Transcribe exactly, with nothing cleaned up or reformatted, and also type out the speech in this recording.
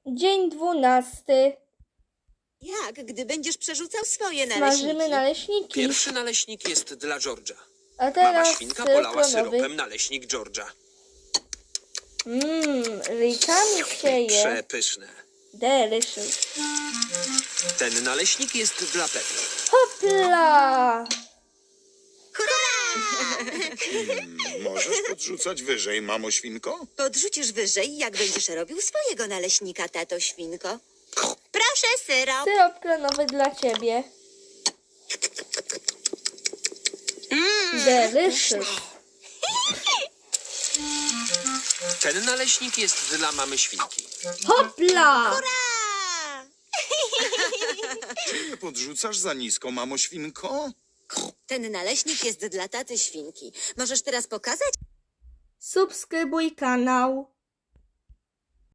Dzień dwunasty. Jak, gdy będziesz przerzucał swoje Smażymy naleśniki? naleśniki. Pierwszy naleśnik jest dla George'a. A Mama teraz świnka ser polała klonowy. syropem naleśnik George'a. Mmm, ryjkami się je. Przepyszne. Delicious. Ten naleśnik jest dla Pepy. Hopla! Możesz podrzucać wyżej, mamo świnko? Podrzucisz wyżej, jak będziesz robił swojego naleśnika, tato świnko. Proszę, syrop. Syrop klonowy dla ciebie. Delicious. Ten naleśnik jest dla mamy świnki. Hopla! A, Czy nie podrzucasz za nisko, mamo świnko? ten naleśnik jest dla taty świnki. Możesz teraz pokazać? Subskrybuj kanał.